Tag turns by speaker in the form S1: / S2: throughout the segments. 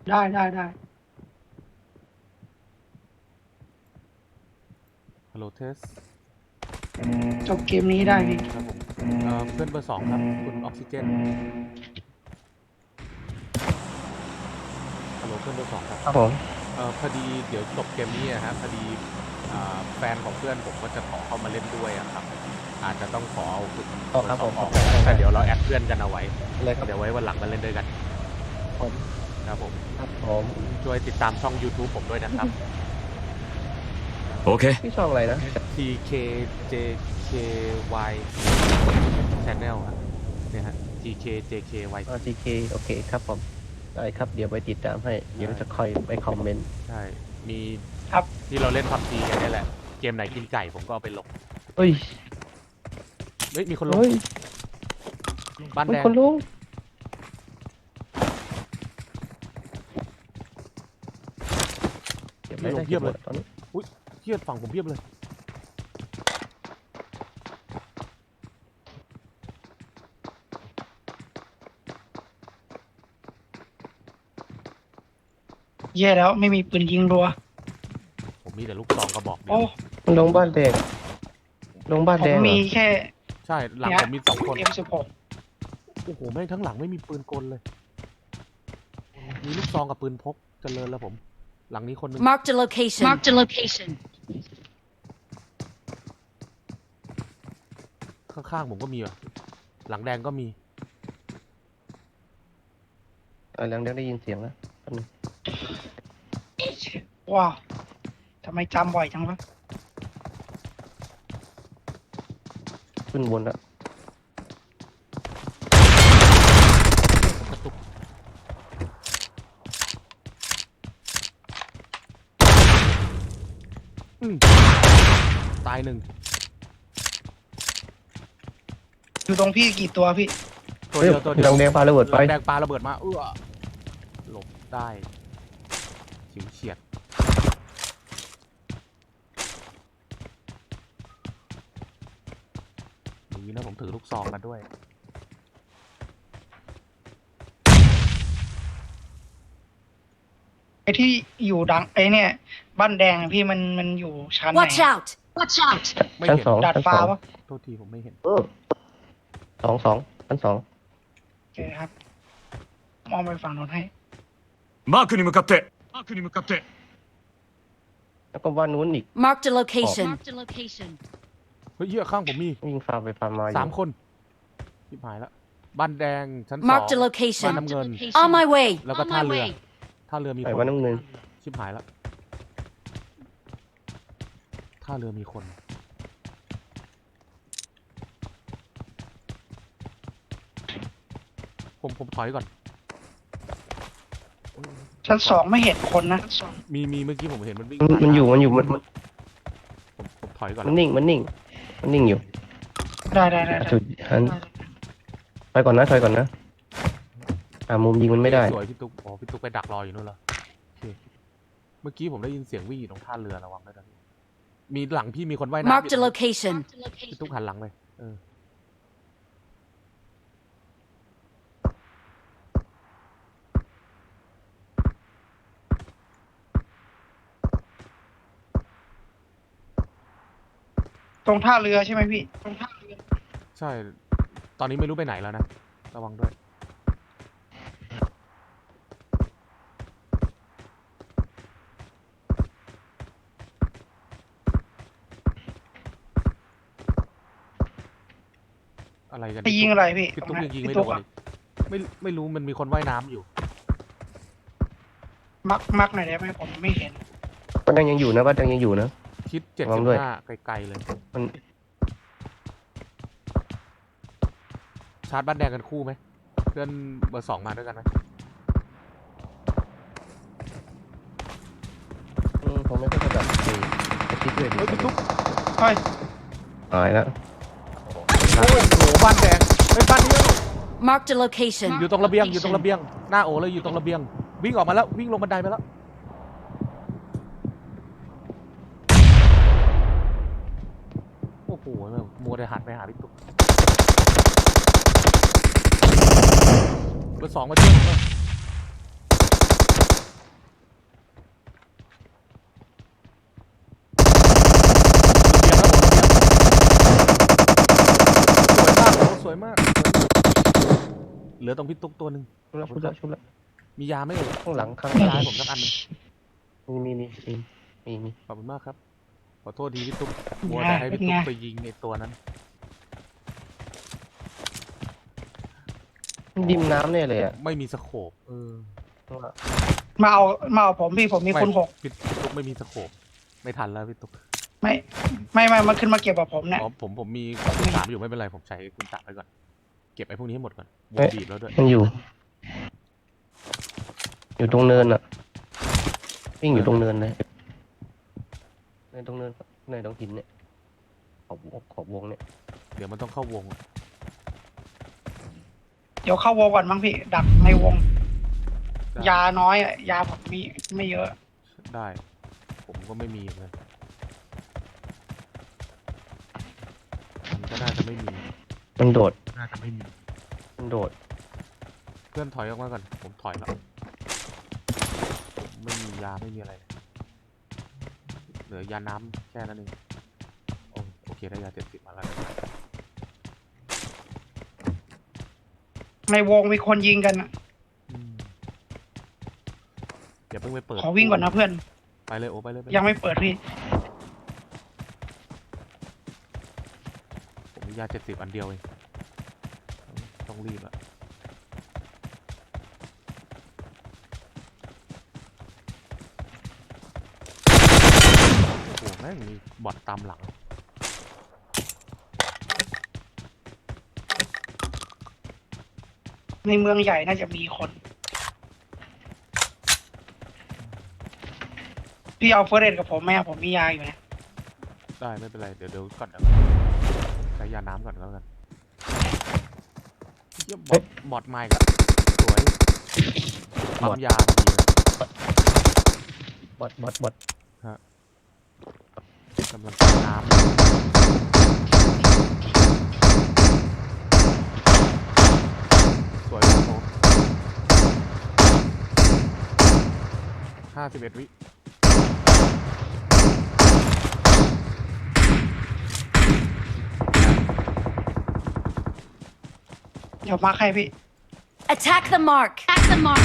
S1: ได้
S2: ฮัลโหลเทส
S1: จบเกมนี้ได้พี่
S2: ครับผมเพื่อนเบอร์ 2ครับคุณออกซิเจนฮัลโหลเพื่อนเบอร์ 2ครับ
S3: ครับผม
S2: พอดีเดี๋ยวจบเกมนี้นะครับพอดีแฟนของเพื่อนผมก็จะขอเข้ามาเล่นด้วยครับอาจจะต้องขอเอาคุณเบอร์ 2ออกแต่เดี๋ยวเราแอดเพื่อนกันเอาไว้
S3: เลยครับ
S2: เดี๋ยวไว้วันหลังมาเล่นด้วยกัน
S3: ผม
S2: ครับผม
S3: ครับผม
S2: ช่วยติดตามช่อง YouTube ผมด้วยนะครับ
S4: โอเค
S3: พี่ช่องอะไรนะ
S2: TKJKY Channel ครับเนี่ยฮะ TKJKY
S3: RTK โอเคครับผมได้ครับเดี๋ยวไปติดตามให้เดี๋ยวจะคอยไปคอมเมนต์
S2: ใช่มี
S1: ครับ
S2: ที่เราเล่นพับจีกันนี่แหละเกมไหนกินไก่ผมก็เอาไปลง
S3: เฮ้ย
S2: เฮ้ยมีคนลง
S3: เฮ้ย
S2: บ้าน
S3: มี
S2: แดง
S3: คนลุงเก็บไม่ได้เก็บหมดตอนนี้
S2: เทียบฝั่งผมเพียบเลย
S1: แย่แล้วไม่มีปืนยิงรัว
S2: ผมมีแต่ลูกซองกระบอกเดีย
S1: โอ้
S2: ว
S3: มันลงบ้านแดงลงบ้าน
S1: ผ
S3: แด
S1: ม
S3: งเหร
S1: มี
S3: อ
S1: แค่
S2: ใช่หลังผมมี2 คน
S1: M16
S2: โอ้โหแม่งทั้งหลังไม่มีปืนกลเลย มีลูกซองกับปืนพกเจริญแล้วผม หลังนี้คนหนึง
S5: Marked a location. Marked a location.
S2: ข้างๆผมก็มีว่ะหลังแดงก็มี
S3: หลังแดงได้ยินเสียงแล้วแป๊บนึง
S1: ว้าวทำไมจำบ่อยจังวะ
S3: ขึ้นบนแล้ว
S2: กระตุกตาย1
S1: อยู่ตรงพี่กี่ตัวพี่
S2: ตัวเดียวตัวเดียว
S3: หลังแดงปาระเบิด
S2: ห
S3: ไป
S2: ลังแดงปาระเบิดมาหลบได้ฉิวเฉียดดีนะผมถือลูกซองมาด้วย
S1: ไอ้ที่อยู่ดังไอ้เนี่ย บ้านแดงอะพี่มันอยู่ชั้นไหน
S5: Watch out! Watch out!
S2: ไม่
S3: ชั้น
S2: เห็น
S3: สอง
S1: ดาด
S3: ชั้น
S1: ฟ้า
S3: สอง
S1: ปะ
S2: โทษทีผมไม่เห็น
S3: สองชั้นสอง
S1: โอเคครับมองไปฝั่งโน้นให้
S4: マークに向かってマークに向かって
S3: แล้วก็บ้านนู้นอีก
S5: Marked a location. Marked a location.
S2: เฮ้ยเหี้ยข้างผมมี
S3: วิ่งฟาร์มไปฟาร์มมาอยู่
S2: 3 คนชิบหายแล้วบ้านแดงชั้น 2
S5: Marked a
S2: บ้าน
S5: location.
S2: น้ำเงิน
S5: On my way.
S2: แล้วก็ท่าเรือท่าเรือมี
S3: ไป
S2: คน
S3: บ้านน้ำเงิน
S2: ชิบหายแล้วท่าเรือมีคน ผมถอยก่อน
S1: ชั้น 2ไม่เห็นคนนะชั้นสอง
S2: มีเมื่อกี้ผมเห็นมันวิ่ง
S3: มันอยู่มัน
S2: ผมถอยก่อน
S3: มันนิ่งมันนิ่งอยู่
S1: ได้
S3: จุดหันไปก่อนนะถอยก่อนนะมุมยิงมันไม่ได้
S2: สวยพี่ตุ๊กอ๋อพี่ตุ๊กไปดักรออยู่นู่นเหรอโอเคเมื่อกี้ผมได้ยินเสียงวิ่งอยู่ตรงท่าเรือระวังด้วยนะพี่มีหลังพี่มีคนว่ายน้ำ
S5: Marked a location.
S2: พี่ตุ๊กหันหลังไป
S1: ตรงท่าเรือใช่ไหมพี่ตรงท่าเรือ
S2: ใช่ ตอนนี้ไม่รู้ไปไหนแล้วนะระวังด้วยอะไรกัน
S1: ไปยิงอะไรพี่
S2: พี่ตุ๊กยังยิงไม่
S1: พี่
S2: โด
S1: ตุ๊ก
S2: น
S1: อะ
S2: เลยไม่รู้มันมีคนว่ายน้ำอยู่
S1: มักหน่อยได้ไหมผมไม่เห็น
S3: บ้านแดงยังอยู่นะบ้านแดงยังอยู่นะ
S2: ทิศ
S3: ระวังด้วย
S2: 75ไกลๆเลย
S3: มัน
S2: ชาร์จบ้านแดงกันคู่ไหมเพื่อนเบอร์ 2มาด้วยกันไหม
S3: ผมไม่ค่อยจะแบบคิดด้วยดิ
S2: เฮ้ยพี่ตุ๊ก
S1: เฮ้ย
S3: หายแล้ว
S2: โอ้โหบ้านแดงเฮ้ยบ้านนี้
S5: Marked a location.
S2: อยู่ตรงระเบียงอยู่ตรงระเบียงหน้าโอเลยอยู่ตรงระเบียงวิ่งออกมาแล้ววิ่งลงบันไดไปแล้วโอ้โหมัวแต่หันไปหาพี่ตุ๊กเบอร์ 2มาช่วยผมหน่อยลือตรงพี่ตุ๊กตัวหนึ่ง
S3: ชุบแล้วชุบแล้ว
S2: มียาไหมเอ่ย
S3: ข้างหลังข้าง
S2: มี
S3: หลั
S2: ยาง ให้ผมสักอันหนึง
S3: มี
S2: ขอบคุณมากครับ ขอโทษทีพี่ตุ๊กมัวแต่ให้พี่ตุ๊กไปยิงในตัวนั้น
S3: ดิมน้ำเนี่ยเลยอ่ะ
S2: ไม่มีสโคป
S1: มาเอาผมพี่ผมมีคุณหก
S2: พี่ตุ๊กไม่มีสโคปไม่ทันแล้วพี่ตุ๊ก
S1: ไม่มันขึ้นมาเก็บกับผมเนี่ย
S2: อ๋อผมมีคุณสามอยู่ไม่เป็นไรผมใช้คุณสามไปก่อนเก็บไอ้พวกนี้ให้หมดก่อนวงบีบแล้วด้วย
S3: มันอยู่ตรงเนินอ่ะวิ่งอยู่ตรงเนินเลยในตรงเนินในตรงหินเนี่ยขอบวงเนี่ย
S2: เดี๋ยวมันต้องเข้าวง
S1: เดี๋ยวเข้าวงก่อนมั้งพี่ ดักในวง ยาน้อยอ่ะยาผมมีไม่เยอะ
S2: ได้ ผมก็ไม่มีเลยมันก็น่าจะไม่มี
S3: มันโดด
S2: น่าจะไม่มี
S3: มันโดด
S2: เพื่อนถอยออกมาก่อนผมถอยแล้วผมไม่มียาไม่มีอะไรเหลือยาน้ำแค่นั้นเองโอเคได้ยา70มาแล้ว
S1: ในวงมีคนยิงกันอะ
S2: อย่าเพิ่งไปเปิด
S1: ขอวิ่งก่อนนะเพื่อน
S2: ไปเลยโอ้ไปเลย
S1: ยังไม่เปิดพี่
S2: ผมมียา70อันเดียวเองต้องรีบอะโอ้โหแม่งมีบอทตามหลัง
S1: ในเมืองใหญ่น่าจะมีคน พี่เอาเฟอร์เรนกับผมไหมอะผมมียาอยู่นะ
S2: ได้ไม่เป็นไรเดี๋ยวก่อนใช้ยาน้ำก่อนแล้วกันเยี่ยมบอทไมค์อะสวยปั๊มยาดีนะ
S3: บอด
S2: กำลังกินน้ำสวยครับผม51 วิ
S1: เดี๋ยวมาใครพี่
S5: Attack the mark. Attack the mark.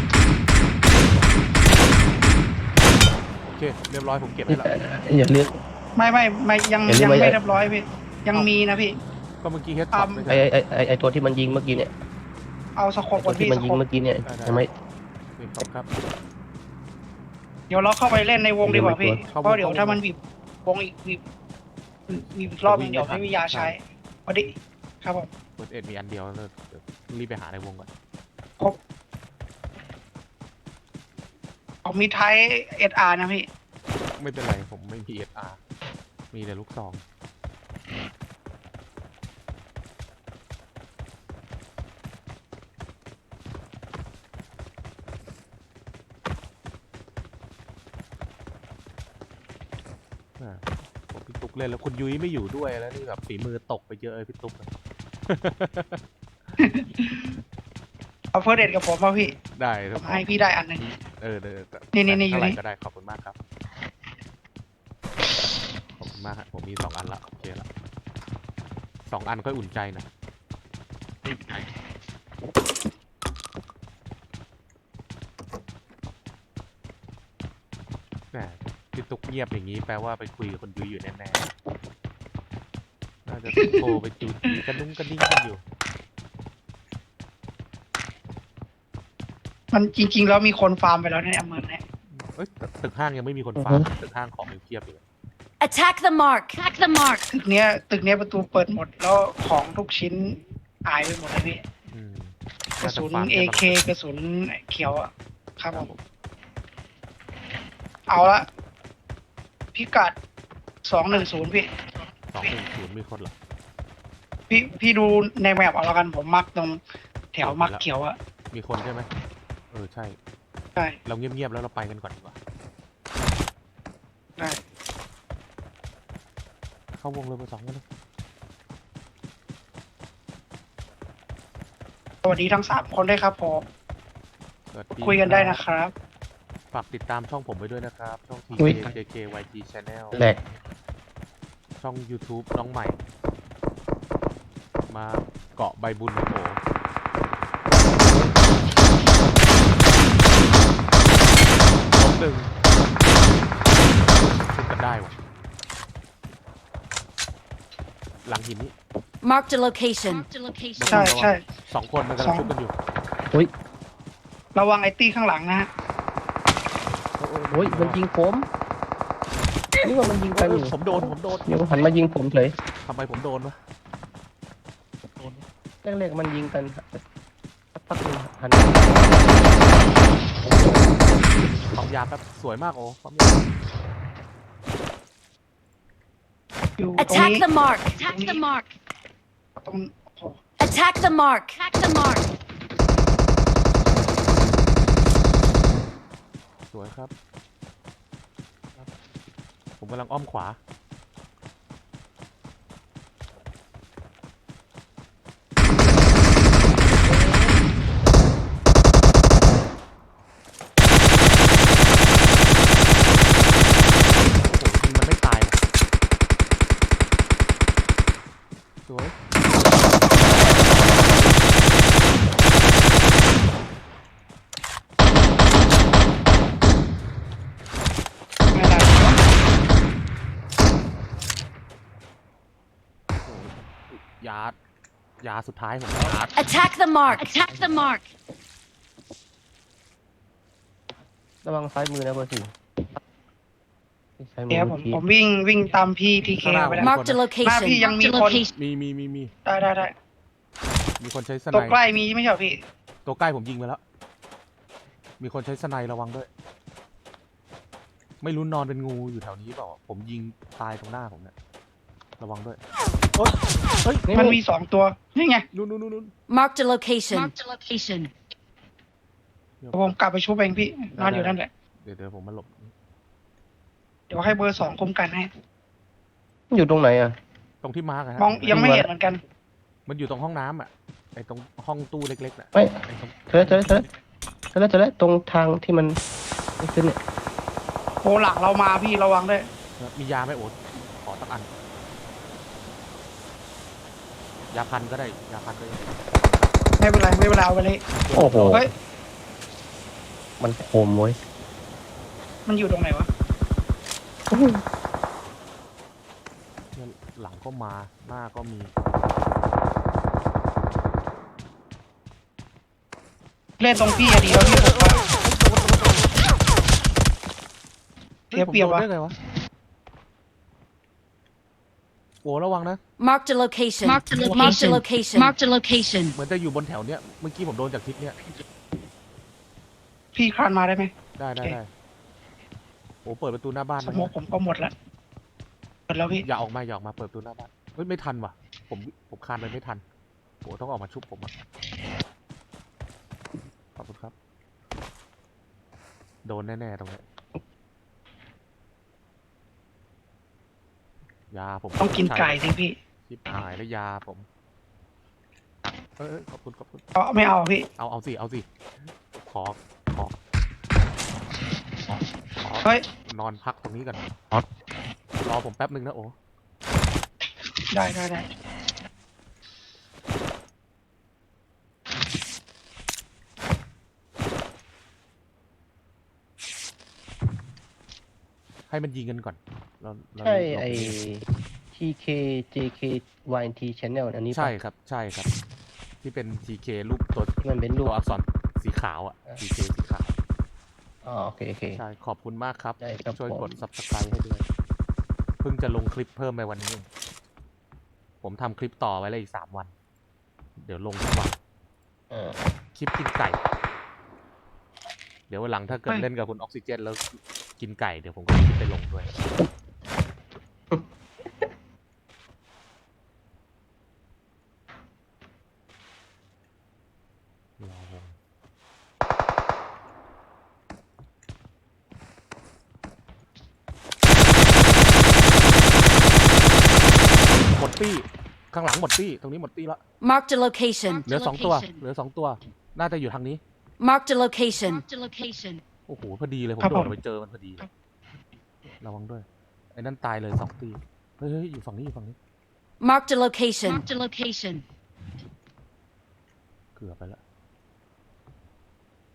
S2: โอเคเรียบร้อยผมเก็บให้แล้ว
S3: อย่าเลือก
S1: ไม่ยัง
S3: เห็นหรือ
S1: ยัง
S3: ไม่
S1: ไม่เรียบร้อยพี่ ยังมีนะพี่
S2: ก็เมื่อกี้เฮดช็อตไม่ใช่
S3: ไอตัวที่มันยิงเมื่อกี้เนี่ย
S1: เอาสโคป
S3: ตั
S1: ก่อ
S3: วน ที่
S1: พี่
S3: มัน
S1: ส
S3: ยิ
S1: โค
S3: ง
S1: ป
S3: เมื่อกี้เนี่ย
S2: ได้
S3: ทำไม
S2: นี่ครับ
S1: เดี๋ยวเราเข้าไปเล่นในวงดีกว่าพี่
S2: เข้าวง
S1: เพราะเดี๋ยว
S2: เข้าวง
S1: ถ้ามันบีบวงอีกอีกรอบนึง
S2: จะวิ่ง
S1: เดี๋ยว
S2: ไม่ทัน
S1: ไม่มียาใช้พอดีครับผม
S2: เปิดมีอันเดียวแล้วเดี๋ยวรีบไปหาในวงก่อน
S1: ครบผมมีไทยSRนะพี่
S2: ไม่เป็นไรผมไม่มี SR มีแต่ลูกซองผมพี่ตุ๊กเล่นแล้วคุณยุ้ยไม่อยู่ด้วยแล้วนี่แบบฝีมือตกไปเยอะเลยพี่ตุ๊ก
S1: เอาเฟอร์เรนกับผมมาพี่
S2: ได้
S1: ผมให้พี่ได้อันหนึง
S2: เออ
S1: นี่อยู่
S2: เท่าไหร่
S1: นี่
S2: ก็ได้ขอบคุณมากครับขอบคุณมากครับผมมี2 อันละโอเคละ2 อันก็อุ่นใจหนะแหมพี่ตุ๊กเงียบอย่างนี้แปลว่าไปคุยกับคนยุ้ยอยู่แน่ๆน่าจะโทรไปจูจีกระดุ้งกระดิ้งกันอยู่
S1: มันจริงๆแล้วมีคนฟาร์มไปแล้วในเมืองเนี่ย
S2: เอ้ยตึกห้างยังไม่มีคนฟาร์มตึกห้างของยังเพียบอยู่เลย
S5: Attack the mark. Attack the mark.
S1: ตึกเนี้ยประตูเปิดหมดแล้วของทุกชิ้นหายไปหมดเลยพี่
S2: อืม
S1: กระสุน
S2: น่าจะฟาร์มได้
S1: AK กระสุนเขียวอ่ะครับผมเอาละพิกัด210พี่
S2: 210มีคนเหรอ
S1: พี่ดูในแมปเอาละกันผมมักตรงแถวมักเขียวอะ
S2: มีคนใช่ไหมใช่
S1: ใช่
S2: เราเงียบๆแล้วเราไปกันก่อนดีกว่า
S1: ได้
S2: เข้าวงเลยเบอร์ 2กันเลย
S1: สวัสดีทั้ง3คนด้วยครับผม
S2: สวัสดี
S1: คุยกันได้นะครับ
S2: ฝากติดตามช่องผมไว้ด้วยนะครับ ช่อง
S3: อุ๊ย
S2: TKJKYT Channel
S3: แหลก
S2: ช่อง YouTube น้องใหม่ มาเกาะใบบุญโอ้โหได้ว่ะหลังหินนี้
S5: Marked a location.
S1: ใช่ใช่
S2: สองคนมันกำลังชุบกันอยู่
S3: อุ้ย
S1: ระวังไอ้ตี้ข้างหลังนะฮะ
S3: โอ้ยมันยิงผมนี่ว่ามันยิงกันอยู่
S2: ผมโดน
S3: เดี๋ยวหันมายิงผมเฉย
S2: ทำไมผมโดนวะ
S3: แรกๆมันยิงกันสักพักหนึงหัน
S2: ปั๊มยาแป๊บสวยมากโอ้ปั๊มยา
S1: อยู่ตรง
S5: Attack
S1: นี้
S5: the mark. Attack the mark.
S1: ตรงโอ้
S5: Attack the mark. Attack the mark.
S2: สวยครับ ผมกำลังอ้อมขวาโอ้โหยิงมันไม่ตายว่ะสวย
S1: ไม่ได้
S2: โอ้โหยาสุดท้ายผมแล้ว
S5: Attack the mark. Attack the mark.
S3: ระวังซ้ายมือนะเบอร์สี่ซ้ายมื
S1: เดี๋ยว
S3: เมื่อกี้
S1: ผมวิ่งตามพี่ทีเคไปแล้ว
S5: Marked a location.
S1: Mark, yang
S5: Marked a
S1: mi kon.
S5: location.
S2: มี
S1: ได้
S2: มีคนใช้สไน
S1: ตัว
S2: ป์
S1: ใกล้มีไม่ใช่เหรอพี่
S2: ตัวใกล้ผมยิงไปแล้ว มีคนใช้สไนป์ระวังด้วย ไม่รู้นอนเป็นงูอยู่แถวนี้เปล่าผมยิงตายตรงหน้าผมเนี่ยระวังด้วยโอ๊ยเฮ้ย
S1: มันมี2ตัวนี่ไง
S2: นู่น
S5: Marked a location. Marked a location.
S1: เดี๋ยวผมกลับไปชุบเองพี่นอนอยู่นั่นแหละ
S2: เดี๋ยวผมมาหลบ
S1: เดี๋ยวให้เบอร์ 2คุมกันให้
S3: มันอยู่ตรงไหนอ่ะ
S2: ตรงที่มาร์กอะฮะ
S1: มองยังไม่เห็นเหมือนกัน
S2: มันอยู่ตรงห้องน้ำอ่ะไอ้ตรงห้องตู้เล็กๆน่ะ
S3: ไม่
S2: ไอ้ตรง
S3: เจอแล้วตรงทางที่มันไม่ขึ้นเนี่ย
S1: โอ้หลังเรามาพี่ระวังด้วย
S2: มียาไหมโอ๊ตขอสักอัน ยาพันก็ได้ยาพันก็ได้
S1: ไม่เป็นไรเอาไปเลย
S3: โอ้โห
S1: เฮ้ย
S3: มันโคมเว้ย
S1: มันอยู่ตรงไหนวะ
S2: เนี่ยหลังก็มาหน้าก็มี
S1: เล่นตรงพี่อะดีแล้วพี่ผมว่าเสียเปรียบ
S2: ผมโด
S1: วะ
S2: นได้ไงวะโอ้ระวังนะ
S5: Marked a location. Marked a location. Marked a location.
S2: เหมือนจะอยู่บนแถวเนี้ยเมื่อกี้ผมโดนจากทิศเนี้ย
S1: พี่คลานมาได้ไหม
S2: ได้
S1: โอเค
S2: โอ้เปิดประตูหน้าบ้าน
S1: สโมกผมก็หมดละหมดแล้วพี่
S2: อย่าออกมาเปิดประตูหน้าบ้านเฮ้ยไม่ทันว่ะผมคานไปไม่ทันโอ้ต้องออกมาชุบผมอ่ะขอบคุณครับ โดนแน่ๆตรงนี้ยาผม
S1: ต้องกินไก่สิพี่
S2: ชิบหายแล้วยาผมขอบคุณ
S1: ไม่เอาพี่
S2: เอาสิขอ
S1: เฮ้ย
S2: นอนพักตรงนี้ก่อนรอผมแป๊บนึงนะโอ้
S1: ได้
S2: ให้มันยิงกันก่อนเรา
S3: ใช่ไอ้ TK JK YNT Channel อันนี้ปะ
S2: ใช่ครับที่เป็น TK รูปตัว
S3: ที่มันเป็นรู
S2: ตั
S3: ป
S2: วอักษรสีขาวอ่ะ TK สีขาว
S3: อ๋อโอเค
S2: ใช่ขอบคุณมากครับ
S3: ได้ครับ
S2: ช่วย
S3: ผม
S2: กด Subscribe ให้ด้วยเพิ่งจะลงคลิปเพิ่มไปวันนี้เองผมทำคลิปต่อไว้เลยอีก3 วัน เดี๋ยวลงทุกวัน
S3: เออ
S2: คลิปกินไก่ เดี๋ยววันหลังถ้าเกิด
S1: เฮ้ย
S2: เล่นกับคุณออกซิเจนแล้วกินไก่เดี๋ยวผมก็คลิปไปลงด้วย รอวงหมดตี้ข้างหลังหมดตี้ตรงนี้หมดตี้ละ
S5: Marked a location.
S2: เหลือ2 ตัว น่าจะอยู่ทางนี้
S5: Marked a location. Marked a location.
S2: โอ้โหพอดีเลยผม
S1: ครับ
S2: โด
S1: ผ
S2: ด
S1: ม
S2: ไปเจอมันพอดีเลยระวังด้วยไอ้นั่นตายเลย2 ตีเฮ้ยอยู่ฝั่งนี้
S5: Marked a location. Marked a location.
S2: เกือบไปแล้ว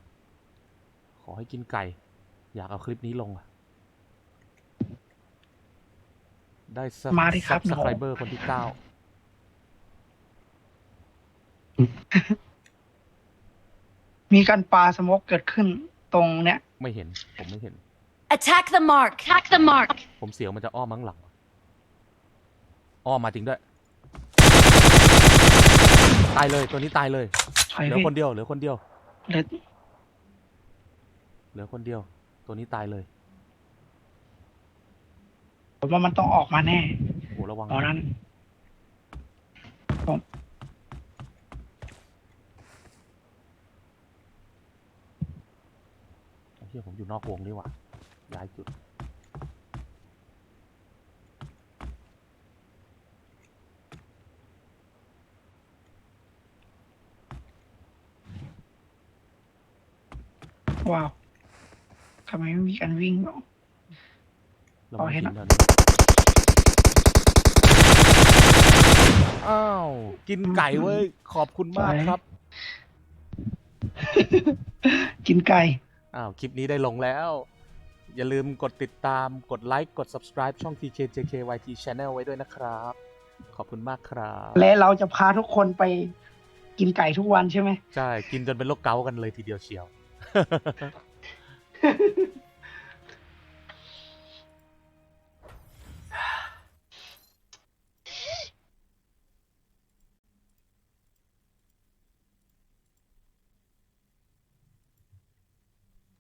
S2: ขอให้กินไก่ อยากเอาคลิปนี้ลงอ่ะได้
S1: มาดิครับ
S2: ซับสไครเบอร์คนที่ 9
S1: มีการปาสโมกเกิดขึ้นตรงเนี้ย
S2: ไม่เห็น ผมไม่เห็น
S5: Attack the mark. Attack the mark.
S2: ผมเสียวมันจะอ้อมมั้งหลัง อ้อมมาจริงด้วย ตายเลยตัวนี้ตายเลย
S1: ถอย
S2: เหลือ
S1: พี่
S2: คนเดียวเหลือคนเดียว
S1: เหลือ
S2: เหลือคนเดียว ตัวนี้ตายเลย
S1: ผมว่ามันต้องออกมาแน่
S2: โอ้ระวัง
S1: ตอนนั้น
S2: ไอ้เหี้ยผมอยู่นอกวงนี่หว่าย้ายจุด
S1: ว้าวทำไมไม่มีการวิ่งหรอ
S2: ระ
S1: อ๋
S2: วั
S1: อง เห็
S2: หิ
S1: น
S2: น
S1: แล้ว
S2: แถวนี้อ้าว กินไก่เว้ย ขอบคุณมากครับ
S1: กินไก่
S2: อ้าว คลิปนี้ได้ลงแล้ว อย่าลืมกดติดตาม กดไลค์ กด subscribe ช่อง TKJKYT Channel ไว้ด้วยนะครับ ขอบคุณมากครับ
S1: และเราจะพาทุกคนไปกินไก่ทุกวันใช่ไหม
S2: ใช่ กินจนเป็นโรคเกาต์กันเลยทีเดียวเชียว